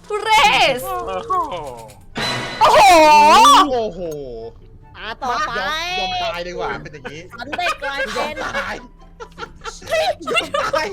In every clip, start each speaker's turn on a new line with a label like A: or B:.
A: ทุเรศ
B: โอ้โห
A: โอ้โห
C: โอ้โห
D: ต่อไป
C: ยอมตายดีกว่าเป็นอย่างนี้
D: ฉันได้กลาย
C: ยอ
D: เป็
C: ม
D: น
C: ตายยอมตาย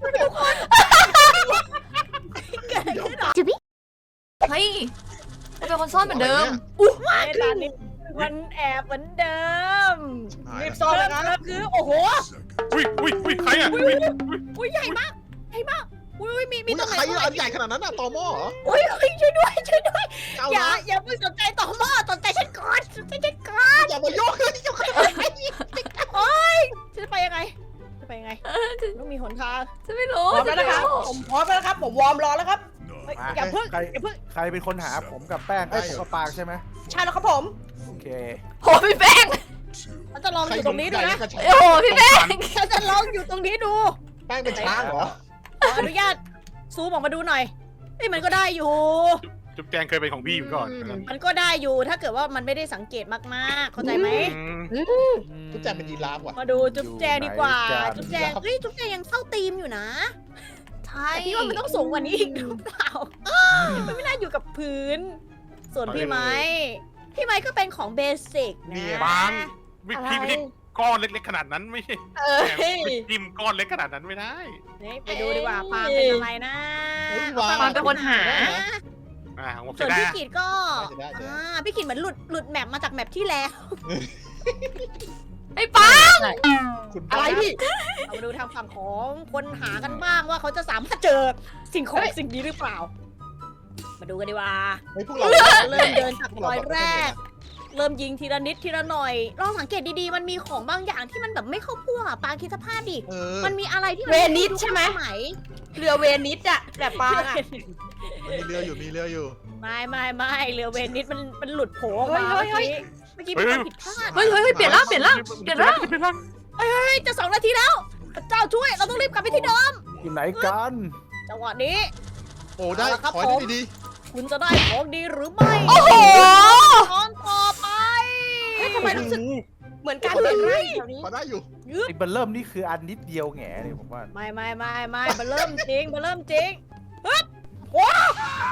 A: เฮ้ยเราเป็นคนซ่อนเหมือนเดิม
D: ไอ้ตอนนี้มันแอบเหมือนเดิม
C: รีบ
D: ซ่อนเลยครับคือโอ้โห
B: อุ้ยใครอ่ะ
D: อุ้ยใหญ่มากใหญ่มากอุ้ยมี
C: มี
D: ตรงไหน
C: ใครอันใหญ่ขนาดนั้นอะตอหม้อเหรอ
D: อุ้ยช่วยด้วยช่วยด้วย
C: เอา
D: อย่า
C: นะ
D: อย่าเพิ่งสนใจต่อหม้อสนใจฉันก่อนสนใจฉันก่อน
C: อย่ามายุ่งเลยอย่ามายุ่ง
D: โอ๊ยฉันจะไปยังไงจะไปยังไงต้องมีหนทาง
A: จะไม่รู้
D: พร้อมแล้วนะครับผมพร้อมแล้วครับผมวอร์มรอแล้วครับ
E: มา
D: อย่าเพิ่ง
E: ใคร
D: อย่าเพิ่ง
E: ใครเป็นคนหาผมกับแป้งไอ้ยผมกับปางใช่ไหม
D: ใช่แล้วครับผม
E: โอเค
A: โหพี่แป้ง
D: ฉันจะลองอยู่ตรงนี้ดูนะ
A: โอ้โหพี่แป้ง
D: ฉันจะลองอยู่ตรงนี้ดู
C: แป้งเป็นช้างเหรอ
D: ขออนุญาตซูมออกมาดูหน่อยเอ้ยมันก็ได้อยู่
B: จุ๊บแจงเคยเป็นของพี่ก่อน
D: มันก็ได้อยู่ถ้าเกิดว่ามันไม่ได้สังเกตมากๆ เข้าใจไหม
C: ทุกแจเป็นยีราฟว่ะ
D: มาดูจุ๊บแจงดีกว่า
E: อยู่ไหน
D: จุ๊บแจงเฮ้ยจุ๊บแจงยังเข้าธีมอยู่นะ
A: ใช่
D: แต่พี่ว่ามันต้องสูงกว่านี้อีกหรือเปล่ามันไม่น่าอยู่กับพื้น ส่วนพี่ไม้พี่ไม้ก็เป็นของเบสิกนะ
B: บางพี่ไม่ได้ก้อนเล็กๆขนาดนั้นไม่ใช่
A: เอ้ย
B: จิ้มก้อนเล็กขนาดนั้นไม่ได้
D: นี่ไปดูดีกว่าปาล์มเป็นอะไรนะ
A: ปาล์มเป็นคนหา
B: ผม
D: ส่
B: จะ
D: วน
B: ได้
D: พี่กิดก็พี่กิดเหมือนหลุดแมปมาจากแมปที่แล้ว
A: ไอ้ป้า
C: คุณ
D: อะไรพี่เรามาดูทางฝั่งของคนหากันบ้างว่าเขาจะสามารถเจอสิ่งของสิ่งนี้หรือเปล่า มาดูกันดีกว่า
C: เฮ้ยพวกเรา
D: เริ่มเดินจากรอยแรก เริ่มยิงทีละนิดทีละหน่อย ลองสังเกตดีๆ มันมีของบางอย่างที่มันแบบไม่เข้าพวกอะปางคิดสภาพดิ มันมีอะไรที่
F: เวนิสใช่ไหม
D: ไหม
F: เรือเวนิสอะแบบปางอะ
C: มีเรืออยู่มีเรืออยู่
D: ไม่เรือเวนิสมันหลุดโผล่ออกมา
F: เฮ้ย
D: เมื่อกี้เป็นความผิดพลาด
A: เฮ้ยเปลี่ยนร่างเปลี่ยนร่างเปลี่ยนร่าง
D: เฮ้ยจะ2 นาทีแล้วพระเจ้าช่วยเราต้องรีบกลับไปที่เดิม
E: อยู่ไหนกัน
D: จังหวะนี้
C: โอ้ได้
D: เอาละครับ
C: ขอให้
D: ผม
C: ได้ดี
D: คุณจะได้ของดีหรือไม่
A: โอ้โห
D: ตอนต่อไป
F: เฮ้ยทำไมรู้สึกเหมือนการเดินไร่แถวนี้
C: ขอได้อยู่
E: ไอ้เบลเริ่มนี่คืออันนิดเดียวแง่เลยผมว่า
D: ไม่มันเริ่มจริงฮึบว้าว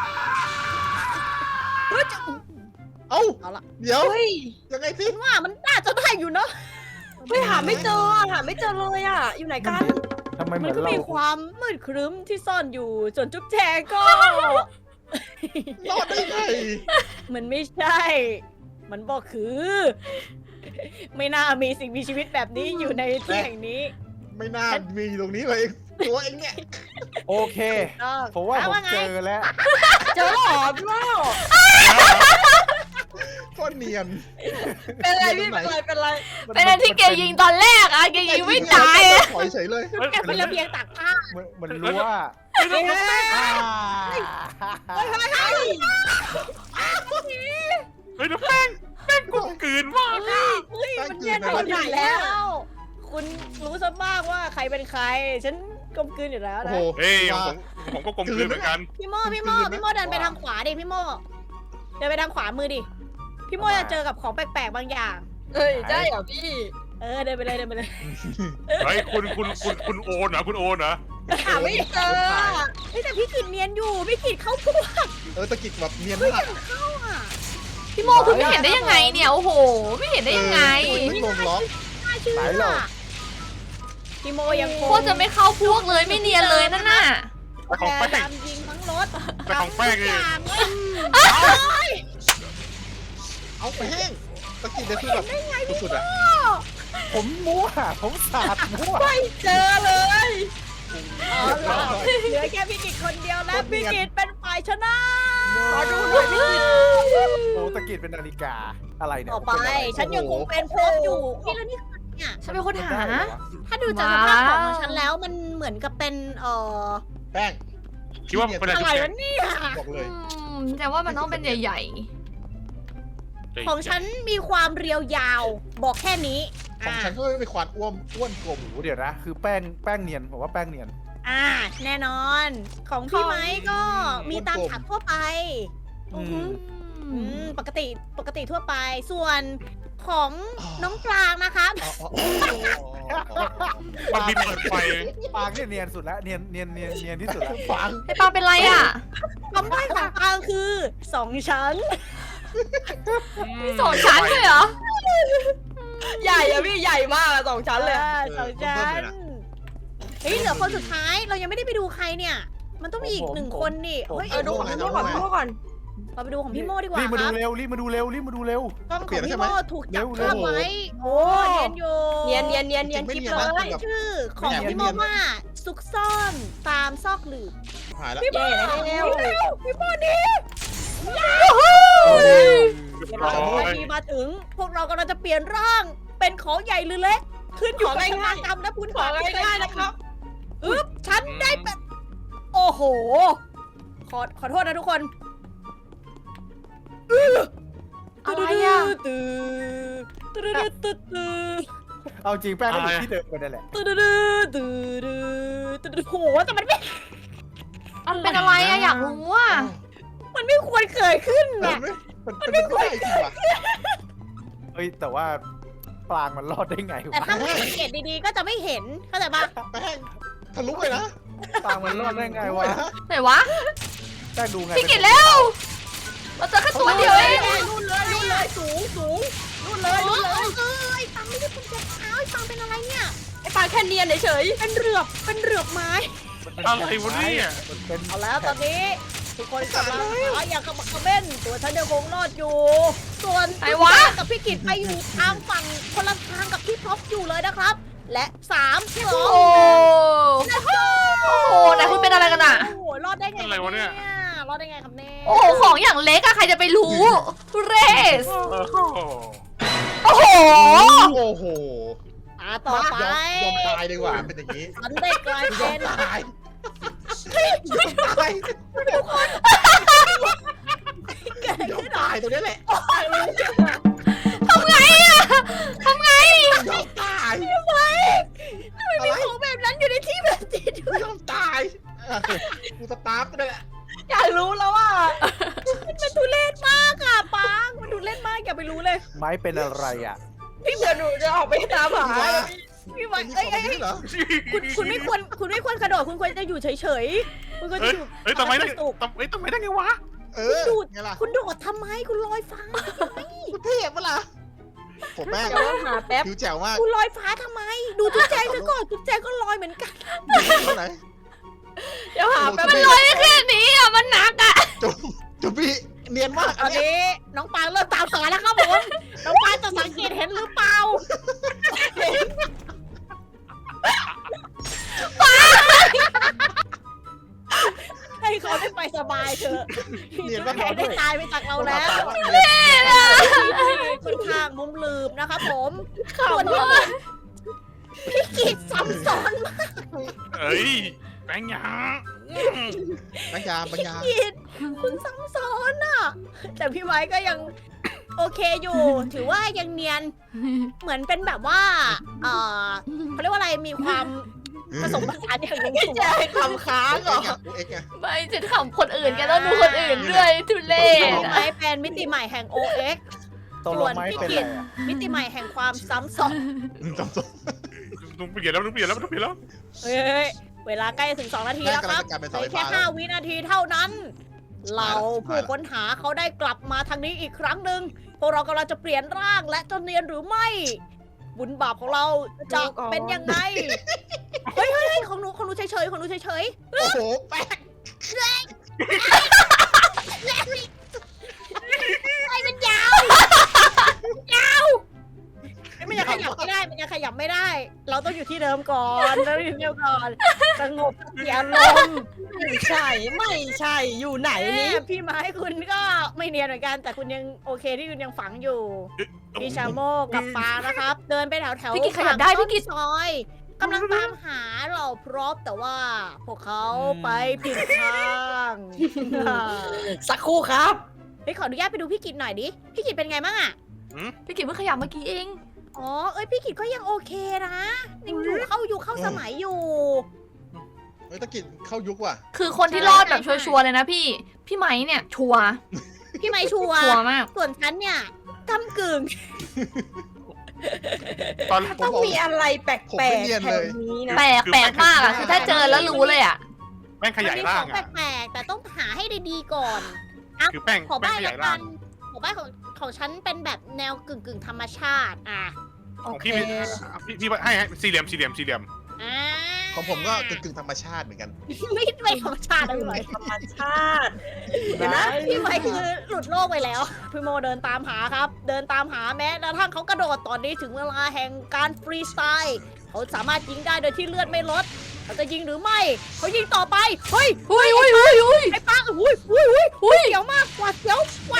D: เฮ้ยจะ
C: เอ้า
D: เอาละ
C: เดี๋ยว
F: เฮ้ย
C: ยังไงสิ
D: ว่ามันน่าจะได้อยู่เนาะ
F: เฮ้ยหาไม่เจออะหาไม่เจอเลยอะอยู่ไหนกัน
E: ทำไมเห
D: มั
E: มื
D: น
E: อน
D: ก็
E: เรา
D: มีความมืดครึ้มที่ซ่อนอยู่ส่วนจุ๊บแจงก็
C: รอดได้ไง
D: มันไม่ใช่ มันบอกคือ ไม่น่ามีสิ่งมีชีวิตแบบนี้อยู่ในที่แห่งนี้
C: ไม่น่ามีตรงนี้เลยตัวเองเนี่ย
E: โอเค
D: ต้อง
E: ผมว่าผม
D: ไง
E: เจอแล้ว
F: เจอหรอพี่ว่า
C: ก็เนียน
F: เป็นไรพี่เป็นไร
A: เป็นอันที่แกยิงตอนแรกอะแกยิงไม่ตายอะ
C: ถอยเฉยเลย
D: แกเป็นระเบียงตากผ้า
E: มันรู้ว่า
D: เฮ้ย
B: เฮ้ยแล้วแป้งกูกลืนมาก
D: มันเย็นหมดอยู่แล้ว คุณรู้ซะบ้างว่าใครเป็นใคร ฉันกลมกลืนอยู่แล้ว
C: โอ้
D: นะ
C: โห
B: เฮ้ยผมก็กลมกลืนเหมือนกัน
D: พี่โม่เดินไปทางขวาดิพี่โม่เดินไปทางขวามือดิ พี่โม่จะเจอกับของแปลกๆบางอย่าง
F: เฮ้ยได้เหรอพี่
D: เดินไปเลย
B: เฮ้ยคุณโอนเหรอคุณโอนเหรอ
F: หาไม่เจออะ
D: เฮ้ยแต่พี่กิดเนียนอยู่ พี่กิดเข้าพวก
C: ตะกิดแบบเนียน
D: เฮ้ย
C: มาก
D: ยังเข้าอ่ะ
A: พี่โมคุณไม่เห็นได้ยังไงเนี่ยโอ้โห ไม่เห็นได้ยังไง
C: ไม่ลงล็อก
D: น่าเชื่อ
E: ไหนเรา
D: พี่โมยังค
A: โคตรจะไม่เข้าพวกเลยไม่เนียนเลยนั่นน่ะ
B: แต่ของ
D: แก
B: แป้ง
D: ตามยิงทั้งรถ
B: แต่ของแป้งนี่
D: อย่างเลย
C: เอาไปแห้งตะกิดเนี่ยคือแบบสุดๆอ่ะ
E: ผมมั่วผมสาดมั่ว
F: ไม่เจอเลย
D: เอาล่ะเหลือแค่พี่กิจคนเดียวแล้วพี่กิจเป็นฝ่ายชนะ
F: ขอดูหน่อยพี่
E: โอ้ตะกิดเป็นนาฬิกาอะไรเนี่ย
D: ต่อไป
E: เป็นอะไร
D: ฉันยังคงเป็นพรบอยู่นี่แล้วนี่คือเนี่ย
A: ฉันเป็นคนหา
E: ได้เหรอวะ
D: ถ้าดูจากสภาพของฉันแล้วมันเหมือนกับเป็น
C: แป้ง
B: คิดว่าเป็น
D: อะ
B: อะไร ไร
D: วะเนี่ย
C: บอกเลย
A: แต่ว่ามันต้องเป็นใหญ่
D: ของฉันมีความเรียวยาวบอกแค่นี้
C: ของฉันก็ไม่เป็นควานอ้วนกลม
E: โอ้โหเดี๋ยวนะ คือแป้งเนียนผมว่าแป้งเนียน
D: แน่นอน ของพี่ไม้ก็มีตามถังทั่วไป
E: อืม
D: ปกติทั่วไปส่วนของน้องปลางนะครับ
B: มันมีเปิดไฟ
E: ปางเนี่ยเนียนสุดแล้วเนียนที่สุดแล้ว
C: ฟัง
A: ไอ้ปางเป็นไรอ่ะ
D: คำใบ้ของปลางคือ2 ชั้น
A: มี2 ชั้นเลยเหรอ
F: ใหญ่อะพี่ใหญ่มากอะ2 ชั้นเลยอะ
D: 2 ชั้นเฮ้ยเหลือคนสุดท้ายเรายังไม่ได้ไปดูใครเนี่ย มันต้องมีอีก1 คนนี่เฮ้ย
F: ดูของพี่โม่ก่อนพี่โม่ก่อน
D: เราไปดูของพี่โมดีกว่า
E: รีบมา
D: ค
E: ดู
D: รับ
E: เร็วรีบมาดูเร็ว
D: กล้องของพี่โมถูกจับ
E: เร็ว
D: ภาพไว้โอ้เนียนอยู่
F: เนียนคลิปเลย
D: ชื่อของพี่โมว่าซุกซ่อนตามซอกหลืบ
C: หายแล้ว
D: พี่โม
F: เร็ว
D: พี่โมนี่
B: เรียบ
D: เว
B: ร้
D: ลา
B: อย
D: ทีมาถึง พวกเรากำลังจะเปลี่ยนร่างเป็นของใหญ่หรือเล็ก ขึ้นอยู่กับชะตากรรมนะคุณ
F: ของง่ายๆนะครับ
D: อึ๊บฉันได้เป็นโอ้โห ขอโทษนะทุกคน
A: อะไรอ่ะ
E: เอาจริงแป้งก็อยู่ที่เดิมกันนั่นแหละ
D: โหแต่มันไม่
A: เป็นอะไรอ่ะอยากรู้อ่ะ
D: มันไม่ควรเกิดขึ้น
C: มั
D: น่ะ
C: นไม่ได้จริงว่ะ
E: เฮ้ยแต่ว่าปลางมันรอดได้ไง
D: แต่
E: วะ
D: ถ้าไม่สังเกตดีๆก็จะไม่เห็นเข้าใจปะ
C: แป้งทะลุเลยนะ
E: ปลางมันรอดได้ไงวะ
A: ไหนวะ
E: แป้งดูไง
A: พี่กิตเร็วเราเจอแค่ตัวเดียวเอง
D: นู่นเลยสูงนู่นเลยไอ้ปังไม่ได้เป็นเจ็บเท้าไอ้ปังเป็นอะไรเนี่ย
F: ไอ้ปลาแค่เนียนเฉย
D: เป็นเหลือบไม้
B: อะไรวะเนี่ย
E: มันเป็น
D: เอาแล้วตอนนี้ ทุกคนกำลังหาอย่างกระบักกระเบ้นตัวฉันยังคงรอดอยู่ ส่วน
A: ไหนวะ
D: กับพี่กิตไปอยู่ทางฝั่งคนละทางกับพี่พ็อปอยู่เลยนะครับ และ3 2
A: โอ้โหไหนคุณเป็นอะไรกันอ่ะ
D: โอ้โหรอดได้ไง
B: อะไรวะเนี่ย
D: รอดได้ไงครับเนี่ย
A: โอ้โหของอย่างเล็กอะใครจะไปรู้ทุเรศ
B: โอ้โห
A: โอ้โห
C: โอ้โห
D: ต่อไป
C: ยอมตายดีกว่าเป็นอย่างนี้
D: ฉันได้กลายเป็น
C: ตายตาย ยอมตายตรงนี้แหละ
A: ทำไงอะทำไง
C: ยอมตาย
D: ทำไมมีของแบบนั้นอยู่ในที่แบบนี้ด้วย
C: ยอมตายกูสตาร์ฟก็ได้แหละ
F: ๆอยากรู้แล้วว่า
D: มันทุเรศมากอะปังมันทุเรศมากอย่าไปรู้เลย
E: ไม้เป็นอะไรอ่ะ
F: พี่เผื่อหนูจะออกไปตามหา
D: พี่ไว้
C: นี่
D: เอ้ย
C: ของนี่เหรอ
D: คุณไม่ควรกระโดดคุณควรจะอยู่เฉยๆคุณควรจะ
B: เฮ้ย
D: อยู่
B: เฮ้ยทำไมได้
D: ตุก
B: ทำไมได้ไงวะ
C: เออไงล่ะ
D: คุณโดดทำไมคุณลอยฟ้า
C: คุณเทพปะล่ะผมแม่ง
F: เดี๋ยวหาแป๊บ
C: ผิวแจ๋วมาก
D: คุณลอยฟ้าทำไม ดูจุ๊บแจงซะก่อนจุ๊บแจงก็ลอยเหมือนกัน
C: ตรงไหน
F: เดี๋ยวหาแป๊บ
A: มันลอยได้แค่นี้อะมันหนักอะ
C: จุ๊บพี่เนียนมาก
D: ตอนนี้น้องปางเริ่มตามหาแล้วครับผมน้องปางจะสังเกตเห็นหรือเปล่าให้เขาได้ไปสบายเถอะจุ๊บแจงได้ตายไปจากเราแล้ว ค่อนข้างมุมลืมนะครับผมส่วนพี่กิจซ้ำซ้อนมาก
B: เอ้ยแป้งยา
C: ปัญญา
D: กิจคุณซ้ำซ้อนอ่ะ แต่พี่ไว้ก็ยังโอเคอยู่ ถือว่ายังเนียน เหมือนเป็นแบบว่า เขาเรียกว่าอะไร มีความผสมผสานอย่างลง
F: พี่
D: ตัว
F: แจ๊คทำค้างเหรอ
C: เอ็กไง
A: ไม่จะขำคนอื่นแกต้องดูคนอื่นด้วยทุเรศ
D: พี่
A: อะ
D: ไว้เป็นมิติใหม่แห่ง OX
E: ตกลงไม้เป็นอะไรอ่ะ
D: มิติใหม่แห่งความซ้ำซ้อน
C: จำตัว
B: ต้องเปลี่ยนแล้วต้องเปลี่ยนแล้วต้องเปลี่ยนแล้ว
D: เฮ้ย เวลาใกล้จะถึง2 นาทีแล้วครับ
C: กลายเป็น
D: เห
C: เสา
D: ลื
C: ไฟ
D: อแค่
C: ฟ้าแล้ว
D: 5 วินาทีเท่านั้น เราผู้ค้นหาเขาได้กลับมาทางนี้อีกครั้งหนึ่งพวกเรากำลังจะเปลี่ยนร่างและจะเนียนหรือไม่ บุญบาปของเราจะเป็นยังไง เฮ้ยของหนูเฉยๆของหนูเฉย
C: โอ้โหแป๊ก
D: ๆไอ้มันยาว มันยังขยับไม่ได้ มันยังขยับไม่ได้ เราต้องอยู่ที่เดิมก่อนเราอยู่ที่เดิมก่อนสงบสติอารมณ์
F: ไม่ใช่อยู่ไหนนี่
D: พี่ไม้คุณก็ไม่เนียนเหมือนกัน แต่คุณยังโอเคที่คุณยังฝังอยู่ พี่ชาโมกับปางนะครับ เดินไปแถว
A: พี่กิตขยับได้พี่กิต
D: ซอยกำลังตามหาเราพร้อมแต่ว่าพวกเขาไปผิดทาง
F: สักครู่ครับ
D: เฮ้ยขออนุญาตไปดูพี่กิตหน่อยดิ พี่กิตเป็นไงบ้างอะ
A: พี่กิตเพิ่งขยับเมื่อกี้เอง
D: อ๋อ เอ้ยพี่กิตก็ยังโอเคนะยังอยู่เข้าสมัยอยู่
C: เฮ้ยตะกิดเข้ายุคว่ะ
A: คือคนที่รอดแบบชัวร์ๆเลยนะพี่ไม้เนี่ยชัวร์
D: พี่ไม้ชัวร์
A: ชัวร์มาก
D: ส่วนฉันเนี่ยกำกึ่ง
B: ตอน
F: ต้องมีอะไรแปลก
C: ผมไม่เนียน
F: ๆแถ
C: เล
F: วย นี้นะ
A: แปลกมากอะคือถ้าเจอแล้วรู้เลยอะ
B: แป้งขยายร่าง
D: มันมีของ
B: อ่ะ
D: แปลกๆแต่ต้องหาให้ดีๆก่อน
B: คือแป้ง
D: ขอ
B: แป้
D: บ้าง น
B: ข
D: ละ
B: ยาย
D: กั
B: ร่าง
D: นขอบ้านของฉันเป็นแบบแนวกึ่งธรรมชาติ
B: ขอ
F: โอ
B: ง
F: เค
B: พี่พี่ให้สี่เหลี่ยม
D: อ่า
C: ของผมก็กึ่งธรรมชาติเหมือนกัน
D: ไม่ธรรมชาตินะพี่ไม้
F: ธรรมชาติเดี๋ยวนะ
D: พี่ไม้คือหลุดโลกไปแล้วพี่โมเดินตามหาครับ เดินตามหาแม้กระทั่งเขากระโดดตอนนี้ถึงเวลาแห่งการฟรีสไตล์เขาสามารถยิงได้โดยที่เลือดไม่ลดเขาจะยิงหรือไม่เขายิงต่อไปเฮ้ย
A: อุ้ย
D: ไอ้ปังอุ้ยเสียวมากหวาดเสียว